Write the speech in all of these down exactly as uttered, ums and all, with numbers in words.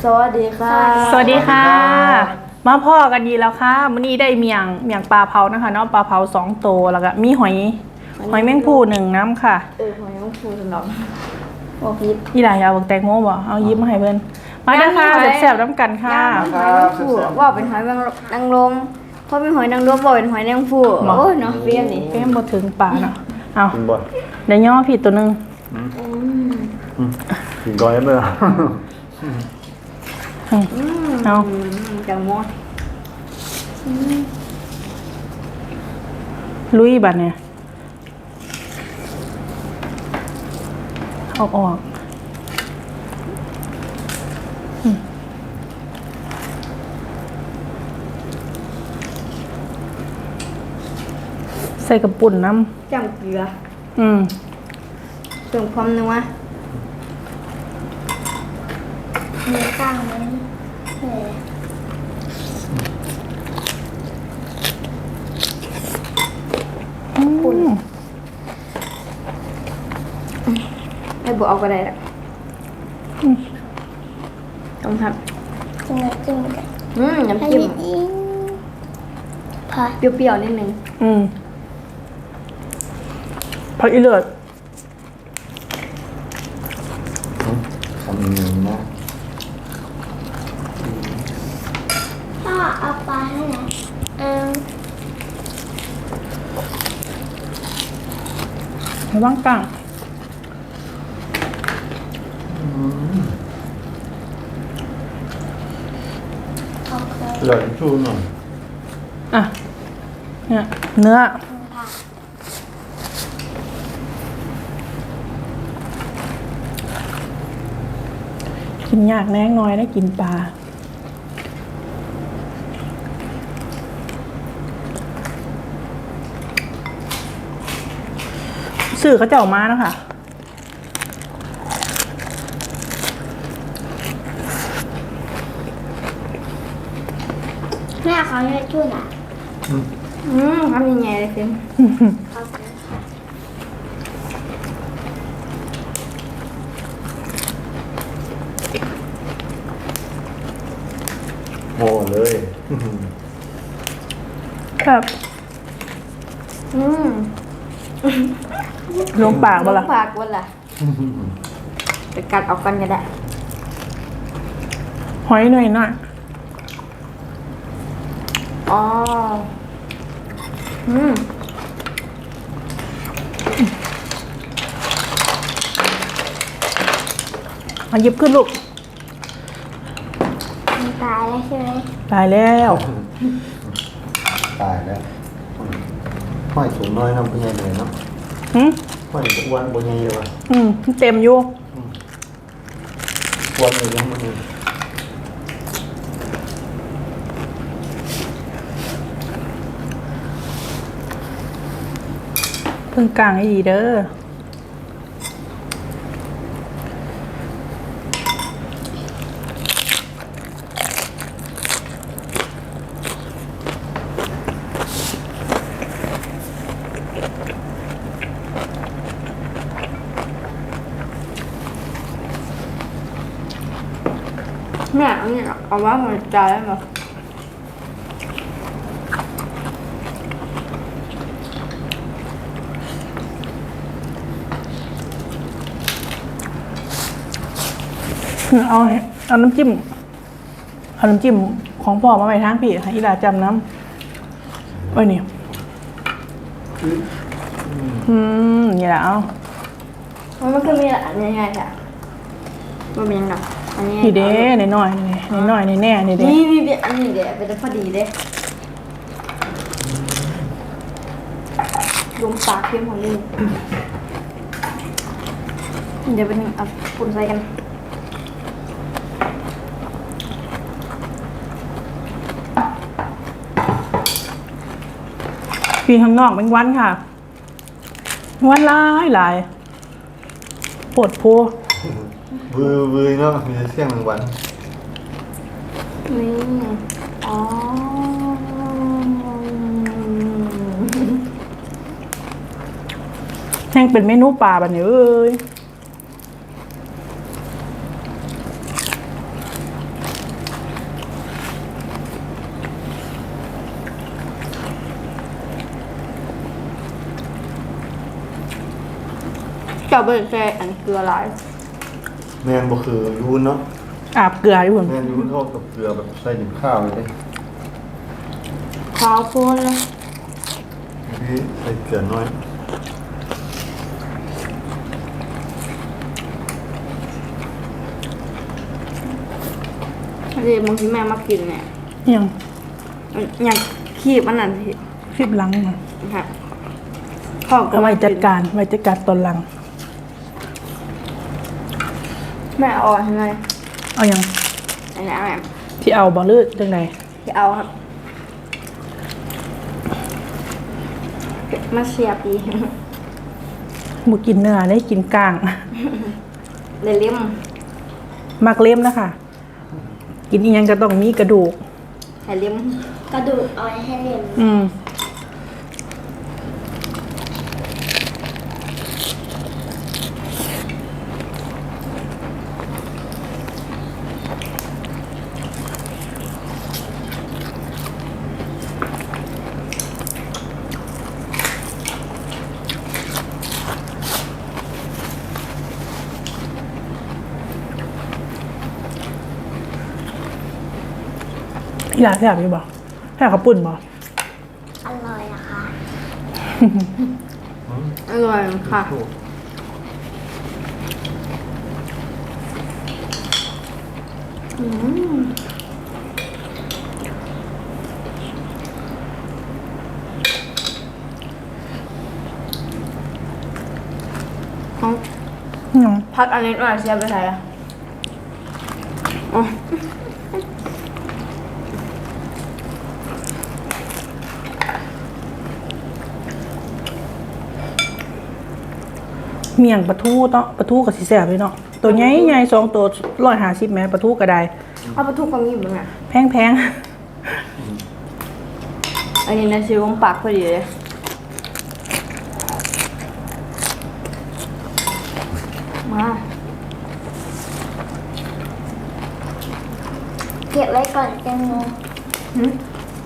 วัสดีค่ะสวัสดีค่ะมาพ่อกันดีแล้วค่ะมื้อนี้ได้เมียงเมียงปลาเผานะคะเนาะปลาเผาสองโตแล้วก็มีหอยหอยแมงผู้หนึ่งน้ำค่ะเออหอยแมงผู้สำหรับบอกยิบอีหลายเอาบักแตงโมบ่เอายิบมาให้เพิ่นมาเด้อค่ะแซ่บๆน้ำกันค่ะหอยแมงผู้ว่าเป็นหอยนางรมเพราะเป็นหอยนางรมบอกเป็นหอยแมงผู้โอ้ยเนาะเฟี้ยนนี่เฟี้ยนบ่ถึงปลาเนาะเอาได้ย่อผิดตัวนึงกินก้อยไหมล่ะเอาจังมดลุยบัดเนี่ยเอาออกใส่กระปุ่นน้ำจำเกลืออืมเติมความนัวเนื้อก้างเลยปุ่นให้บุเอาก็ได้ละต้องทำน้ำจิ้มกันอืมน้ำจิ้มพอเปรี้ยวๆนิดนึงอืมผักอีเลือดทำเงินนะพ่อเอาปลาให้นะเอาระวังกลางเหลือชูหน่อยอ่ะเนี่ยเนื้อกินยากแน่น้อยได้กินปลาสื่อเขาจะออกมาแล้วค่ะแม่เขาเนี่ยช่วยนะอืมทำยังไงเลยฟิล์มโม่เลยครับอืมลงปากบ่ล่ะลงปากบ่ล่ะไปกัดออกกันก็ได้หอยหน่อยหน่อยอ๋ออืมมาหยิบขึ้นลูกมันตายแล้วใช่ไหมตายแล้วตายแล้วห้อยสูงน้อยน้ำเป็นไงเลยเนาะหืมห้อยอ้วนบนไงเลยวะอืมเต็มอยู่อ้วนเลยยังมันเลยเพิ่งกลางให้ดีเด้อแม่อันนี้เอาว่าหัวใจได้ไหมเอาเอาน้ำจิ้มเอาน้ำจิ้มของพ่อมาไว้ทางพี่ให้อีหลาจำน้ำไว้นี่อืมนี่แหละเอามันคือมีอันยังไงค่ะมันเป็นยังไงอันนี้พี่เด้ในน้อยในน้อยในแน่ในเด้นี่นี่อันนี้เด้เป็นพอดีเด้ลงปากเข้มของนี่เดี๋ยวเป็นเอาปุ่นใส่กันพี่ข้างนอกเป็นวันค่ะวันหลายหลายปวดพัววือวือเนาะมีเสียงหนึ่งวันนี่อ๋อแห้งเป็นเมนูปลาแบบนี้เอ้ยจ้าเบิร์แกอันเกลือหลายแมนบ่คือยูนเนาะอาบเกลืออยู่พุ่นแมนยูนเท่ากับเกลือแบบใส่หนึ่งข้าวเลยเด้ขาวโพลนเลยพี่ใส่เกลือน้อยอันนี้บางทีแม่มากินเนี่ยยังมันอย่างคีบมันนั่นที่คลิปหลังมาค่ะพ่อก็เอาไว้มาจัดการไว้จัดการตอนหลังแม่เอาทำไมเอายังอันนี้แม่ที่เอาบ่ลืดจังไดที่เอาครับมาเสียบอีกบ่กินเนื้อได้กินกลางเลยเลี่ยมมักเล่มนะคะกินอีหยังก็ต้องมีกระดูกให้เลี่ยมกระดูกเอาไว้ให้เรียนอืมอยากแซ่บอยู่บ่แซ่บข้าวปุ้นบ่อร่อยอะค่ะอร่อยค่ะอืมเอาอืมพักอันนี้หน่อยเสียบไปไหนอ่ะอ๋อเมี่ยงปลาทูเนาะปลาทูกับสีแสบเลยเนาะตัวใหญ่ใหญ่สองตัวร้อยห้าสิบแม้ปลาทูก็ได้เอาไปทุกความยิ้มมั้งอ่ะแพงแพงอันนี้นะชิวของปากพอดีเลยมาเก็บไว้ก่อนแตงโมหืม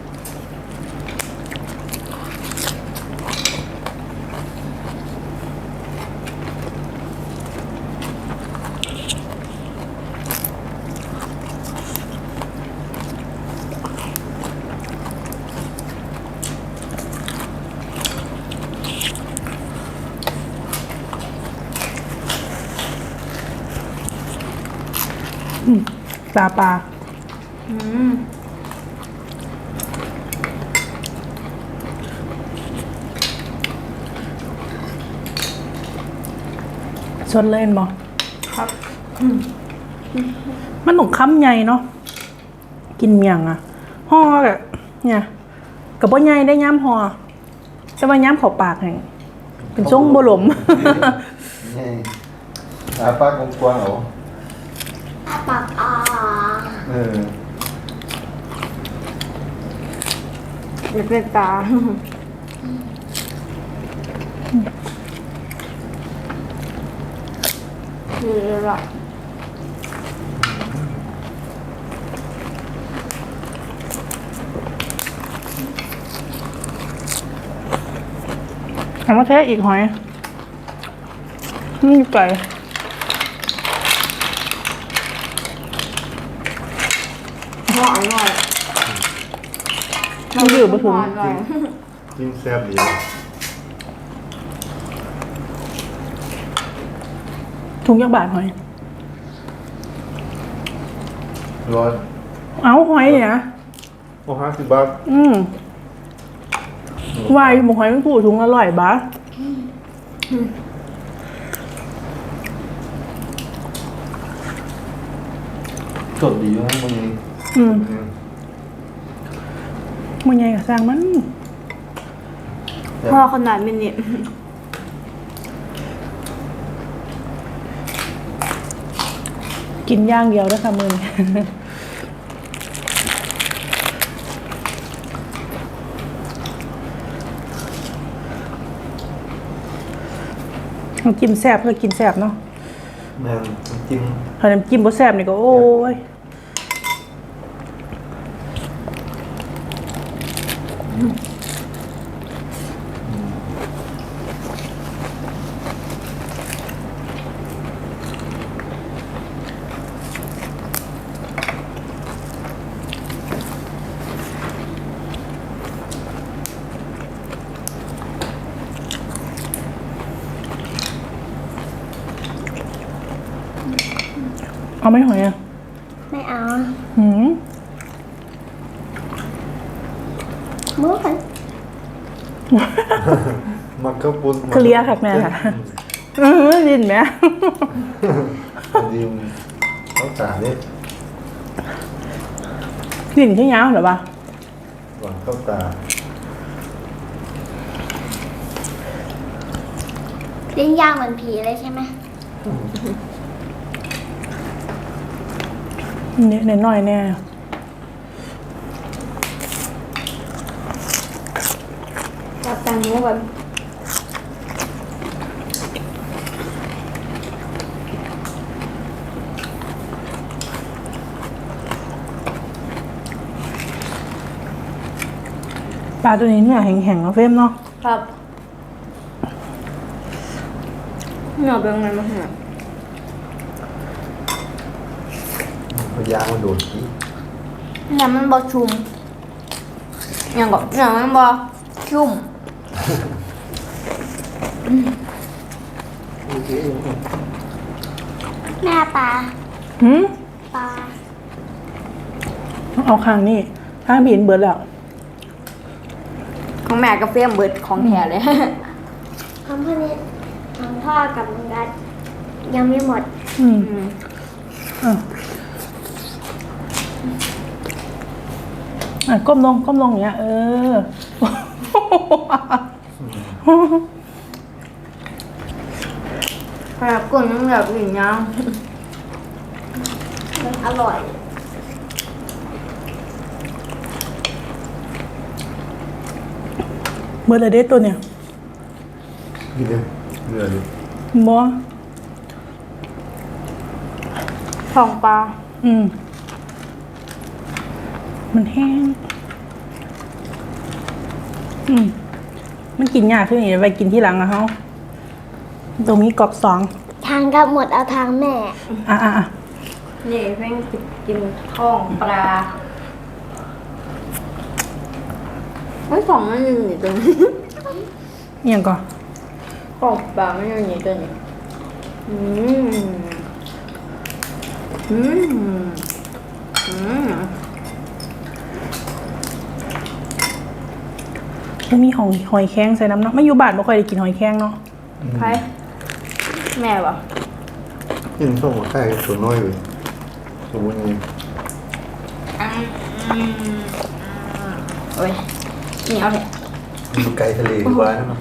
ปลาปลาอืมชนเล่นบ่ครับมันต้องค้ำใหญ่เนาะกินเมี่ยงอะห่อแบบเนี่ยกับบ่ใหญ่ได้ย้ำห่อแต่ว่าย้ำเข้าปากแห่งเป็นทรงบ่หลมนี่อาปากกว้างๆเหรออาปากอ่าเออเด็กเล็กตาคือละถามว่าแท้อีกหอยนี่ไก่หวานหน่อยมันอยู่บ่ถึงหวานหน่อยจิ้มแซ่บดีถุงยักษ์บาทหอยร้อยเอาหอยเนี่ยนะโอ้ห้าสิบบาทอืมวายหมูหอยมันผูถุงอร่อยบ้าสดดีอยู่นะมึงอืมมันใหญ่กับสร้างมันพ่อขนาดมินิกินย่างเดียวนะคะมือนี้ น้ำจิ้มแซ่บก็กินแซ่บเนาะแม่งจิ้มถ้าน้ำจิ้มบ่แซ่บนี่ก็โอ้ยไหม่หอยอ่ะไม่เอาหืมมือกันมันก็ปุ้นเคลียร์ค่ะแม่ค่ะเออดินไหมดิมต้องจ่าเนี่ยดินที่ยาวเหรอปะหวังเข้าตาลิ้นยาวเหมือนผีเลยใช่ไหมเนี่ยหน่อยๆแน่จับแตงโมก่อนปลาตัวนี้เนี่ยแข็งๆเนาะเฟรมเนาะครับหน่อเป็นไงมาหาพยายามมาโดดขี้เนี่ยมันบอชุ่มอย่างก็เนี่ยมันบอชุ่มแม่ปลาหืมปลาเอาข้างนี่ข้างบีนเบิดแล้วของแม่กาแฟเบิดของแท้เลยของพ่อเนี่ยของพ่อกับลุงกัดยังไม่หมดอืมอืมอ่ะอ่ะก้มลงก้มลงอย่างเงี้ยเออขนาดกลุ่นมันแบบอย่างเงี้ยมันอร่อยเบิดเลยเด้ตัวเนี่ยกินเลยเหนื่อยเลยบอทองปลาอืม มันแห้ง อืม มันกินยากขึ้นอีกไปกินที่หลังอะเขาตรงนี้กรอบสองทางกับหมดเอาทางแม่อ่ะอ่ะอ่ะนี่เพิ่งกินท้องปลาไม่สองมันอยู่นี่ตัวนี้เอียงก่อนของปลาไม่อยู่นี่ตัวนี้อืมอืมอืมมันมีหอยหอยแข้งใส่น้ำเนาะไม่อยู่บ้านไม่ค่อยได้กินหอยแข้งเนาะใครแม่ปะกินส้มกับไข่ตัวน้อยเลยตัวนี้โอ้ยนี่เอาเลยอยู่ไกลทะเลดีกว่านะ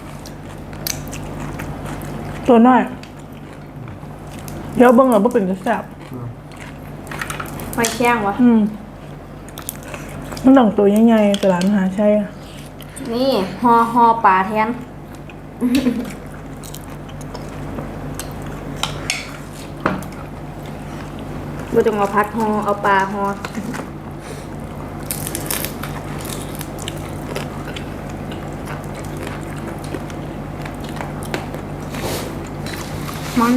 ตัวน้อย เดี๋ยวเบิ่งเหรอว่าเป็นกระแสบหอยแข้งวะอืมมันต้องตัวใหญ่ๆแต่ร้านมหาชัยอะนี่ฮอฮอปลาแทนเราจะมาพัดฮอเอาปลาฮอมัน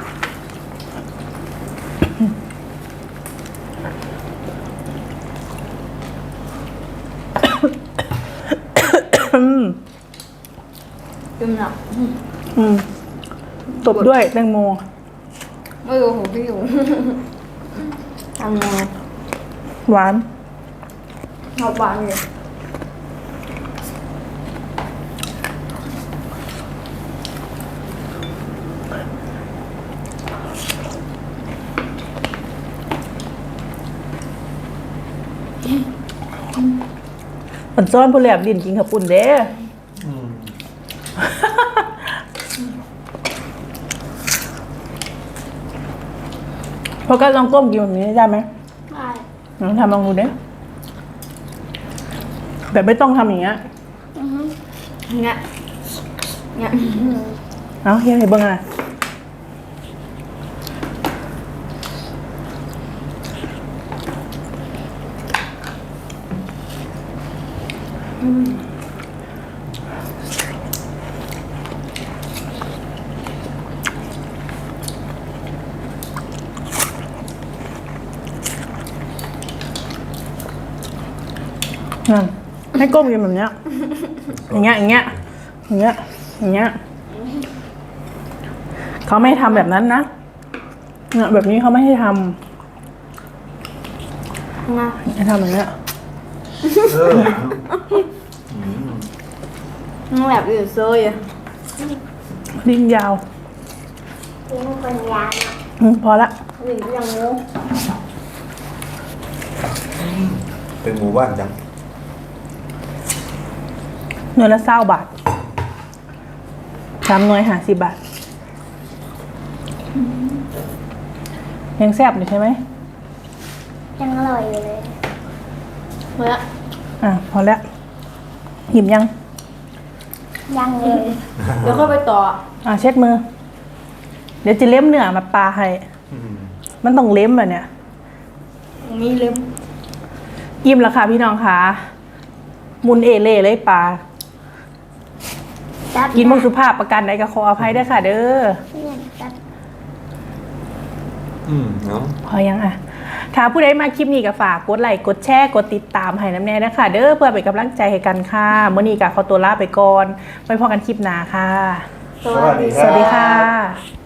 อืมจุ่มหนักอืมตบด้วยแตงโมไม่รู้ของพี่อยู่ทำไงหวานเอาหวานเลยอันซ้อนผู้แหลบดินกินขับปุ่นเด้อืมเพราะก็ลองก้มกินแบบนี้ได้ไหมได้ลองทำลองดูเด้แบบไม่ต้องทำอย่างเงี้ยอือฮึเงี้ยเงี้ยเอาเฮียให้เบิ่งอะไร นั่นให้ก้มกินแบบเนี้ย อย่างเงี้ย อย่างเงี้ย อย่างเงี้ย อย่างเงี้ย เขาไม่ให้ทำแบบนั้นนะเนี่ยแบบนี้เขาไม่ให้ทนะำให้ทำอย่างเงี้ยเออมันแบบอยู่โซ่ยลิ้นยาวกินคนยาวเนาะอืมพอละหรือยังงูเป็นหมู่บ้านจังหน่วยละเศร้าบาทสามหน่วยหาสิบบาท ยังแซ่บอยู่ใช่ไหมยังอร่อยอยู่เลยเมื่ออ่ะพอแล้วหิมยังยังเลยเดี๋ยวค่อยไปต่ออ่ะเช็ดมือ เดี๋ยวจะเล้มเนื้อมาปลาให้อืมมันต้องเล้มแบบเนี้ยมีลืมอิ่มแล้วค่ะพี่น้องค่ะมุนเอเล่เลยปลาจับกินมุกสุภาพประกันใดก็ขออภัยด้วยค่ะ เด้อเนี่ยจับอืมเนาะพอยังอ่ะ ถ้าผู้ใดมาคลิปนี้ก็ฝากกดไลค์กดแชร์กดติดตามให้น้ำแน่นะคะ เด้อเพื่อเป็นกำลังใจให้กันค่ะเมื่อนี้ก็ขอตัวลาไปก่อนไว้พอกันคลิปหน้าค่ะสวัสดีสวัสดีค่ะ